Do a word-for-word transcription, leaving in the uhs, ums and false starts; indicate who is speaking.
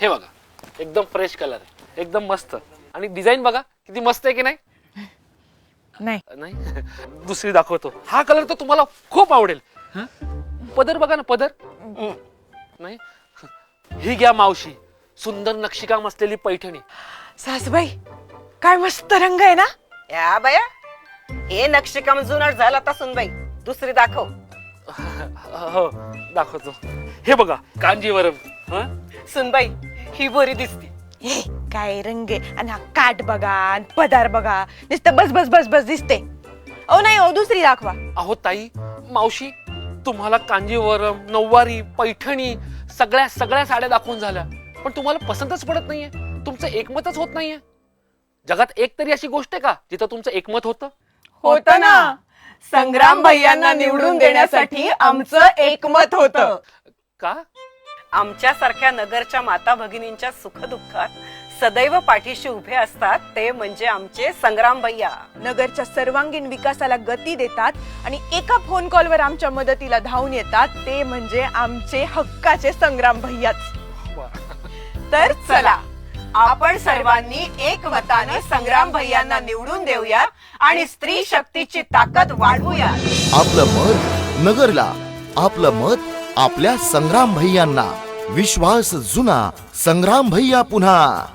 Speaker 1: हे बघा, एकदम फ्रेश कलर आहे, एकदम मस्त. आणि डिझाईन बघा किती मस्त आहे की नाही?
Speaker 2: नाही
Speaker 1: नाही दुसरी दाखवतो. हा कलर तर तुम्हाला खूप आवडेल. पदर बघा ना, पदर. नाही, ही घ्या मावशी, सुंदर नक्षीकाम असलेली पैठणी.
Speaker 2: सासूबाई काय मस्त रंग आहे ना.
Speaker 3: या बाया, हे नक्षीकाम जुनाट झाला आता सुनबाई. दुसरी दाखव.
Speaker 1: हो दाखवतो. हे बघा कांजीवरम. हं?
Speaker 3: सुनबाई ही बरी दिसती.
Speaker 2: हे काय रंग आहे. आणि हा काठ बघा आणि पदार बघा, नुसतं बस बस बस बस दिसते. ओ नाही ओ, दुसरी दाखवा.
Speaker 1: अहो ताई, मावशी, तुम्हाला कांजीवरम, नऊवारी, पैठणी सगळ्या सगळ्या साड्या दाखवून झाल्या, पण तुम्हाला पसंतच पडत नाहीये. तुमचं एकमतच होत नाहीये. जगात एक तरी अशी गोष्ट आहे का जिथं तुमचं एकमत होतं?
Speaker 2: होत ना, संग्राम भैयांना निवडून देण्यासाठी आमचं एकमत होतं.
Speaker 1: का?
Speaker 3: आमच्यासारख्या नगरच्या माता भगिनींच्या सुखदुःखात सदैव पाठीशी उभे असतात ते म्हणजे आमचे संग्राम भैया.
Speaker 2: नगरच्या सर्वांगीण विकासाला गती देतात आणि एका फोन कॉलवर आमच्या मदतीला धावून येतात ते म्हणजे आमचे हक्काचे संग्राम भैयाच. तर चला आपण सर्वांनी एकमताने संग्राम भैयांना निवडून देऊया आणि स्त्री शक्तीची ताकद वाढवूया.
Speaker 4: आपलं मत नगरला, आपलं मत आपल्या संग्राम भैयांना. विश्वास जुना, संग्राम भैया पुन्हा.